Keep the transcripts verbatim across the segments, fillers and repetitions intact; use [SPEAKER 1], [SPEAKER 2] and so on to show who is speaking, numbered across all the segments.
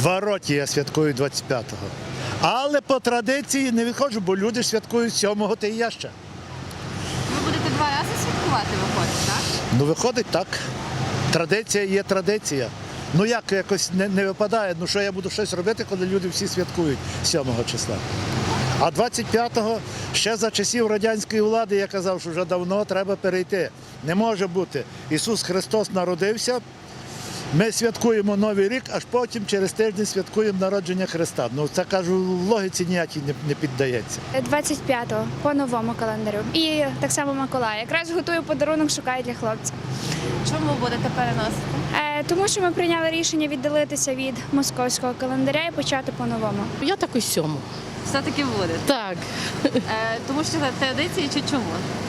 [SPEAKER 1] Два роки я святкую двадцять п'ятого. Але по традиції не відходжу, бо люди ж святкують сьомого, та і я ще.
[SPEAKER 2] Ви будете два рази святкувати, виходить, так?
[SPEAKER 1] Ну, виходить так. Традиція є традиція. Ну як якось не, не випадає, ну що я буду щось робити, коли люди всі святкують сьомого числа. А двадцять п'ятого ще за часів радянської влади я казав, що вже давно треба перейти. Не може бути. Ісус Христос народився, ми святкуємо Новий рік, аж потім через тиждень святкуємо народження Христа. Ну це, кажу, логіці ніякій не, не піддається.
[SPEAKER 3] двадцять п'ятого по новому календарю. І так само Миколая. Якраз готую подарунок, шукаю для хлопця.
[SPEAKER 2] Чому будете переносити?
[SPEAKER 3] Е, тому що ми прийняли рішення віддалитися від московського календаря і почати по новому.
[SPEAKER 4] Я так і сьому.
[SPEAKER 2] Все-таки буде.
[SPEAKER 4] Так.
[SPEAKER 2] Е, тому що це традиції чи чому?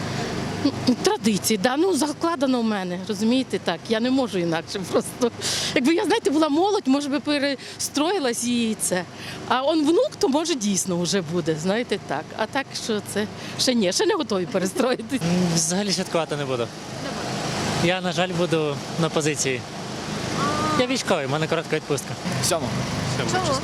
[SPEAKER 4] Традиції, да, ну закладено в мене, розумієте, так. Я не можу інакше просто. Якби я, знаєте, була молодь, може би перестроїлась і це. А он внук, то може дійсно вже буде, знаєте, так. А так, що це ще ні, ще не готові перестроїтись.
[SPEAKER 5] Взагалі святкувати не буду. Я, на жаль, буду на позиції. Я військовий, в мене коротка відпустка.
[SPEAKER 6] Сьомого.
[SPEAKER 2] Чому?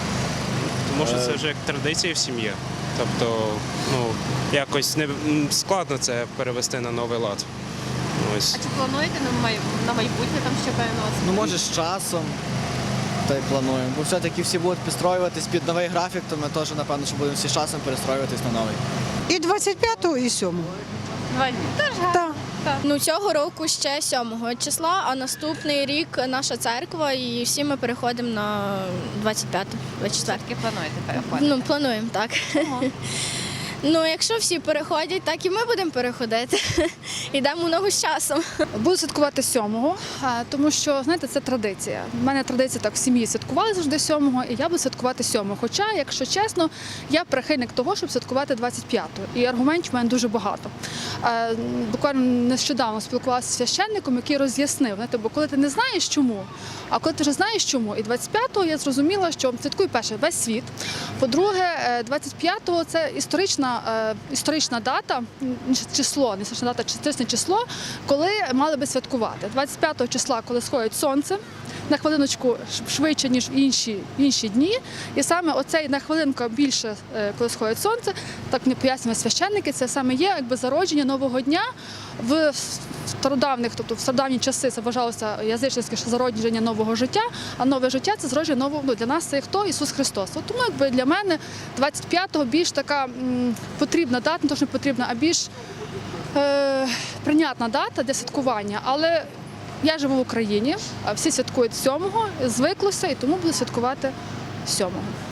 [SPEAKER 7] Тому що це вже як традиція в сім'ї. Тобто, ну, якось не м, складно це перевести на новий лад. Ось.
[SPEAKER 2] А чи плануєте на, май... на майбутнє там ще переносити?
[SPEAKER 6] Ну, може, з часом, та й плануємо. Бо все-таки всі будуть підстроюватись під новий графік, то ми теж, напевно, що будемо всі з часом перестроюватись на новий.
[SPEAKER 8] І двадцять п'ятого, і сьомого.
[SPEAKER 2] Два дні. Теж гарно.
[SPEAKER 8] Так.
[SPEAKER 9] Ну, цього року ще сьомого числа, а наступний рік наша церква і всі ми переходимо на двадцять п'яте, двадцять четверте.
[SPEAKER 2] Все-таки плануєте переходити?
[SPEAKER 9] Ну, плануємо, так.
[SPEAKER 2] Чому?
[SPEAKER 9] Ну, якщо всі переходять, так і ми будемо переходити. Йдемо в ногу з часом.
[SPEAKER 10] Буду святкувати сьомого, тому що, знаєте, це традиція. У мене традиція так в сім'ї святкували завжди сьомого, і я буду святкувати сьомого. Хоча, якщо чесно, я прихильник того, щоб святкувати двадцять п'ятого. І аргументів в мене дуже багато. Буквально нещодавно спілкувалася з священником, який роз'яснив, знаєте, бо коли ти не знаєш чому, а коли ти вже знаєш чому. І двадцять п'ятого я зрозуміла, що святкує перше весь світ. По-друге, двадцять п'ятого це історична історична дата, число, не історична дата, історичне число, коли мали би святкувати. двадцять п'ятого числа, коли сходить сонце, на хвилиночку швидше, ніж інші, інші дні. І саме оцей на хвилинку більше, коли сходить сонце, так мені пояснюють священники, це саме є якби зародження нового дня. В стародавних, тобто в стародавні часи це вважалося язичницьке зародження нового життя, а нове життя це зародження нового, ну, для нас це хто? Ісус Христос. От тому якби для мене двадцять п'ятого більш така м, потрібна дата, не то, що не потрібна, а більш е, прийнятна дата для святкування. Але я живу в Україні, а всі святкують сьомого, звиклося і тому буду святкувати сьомого.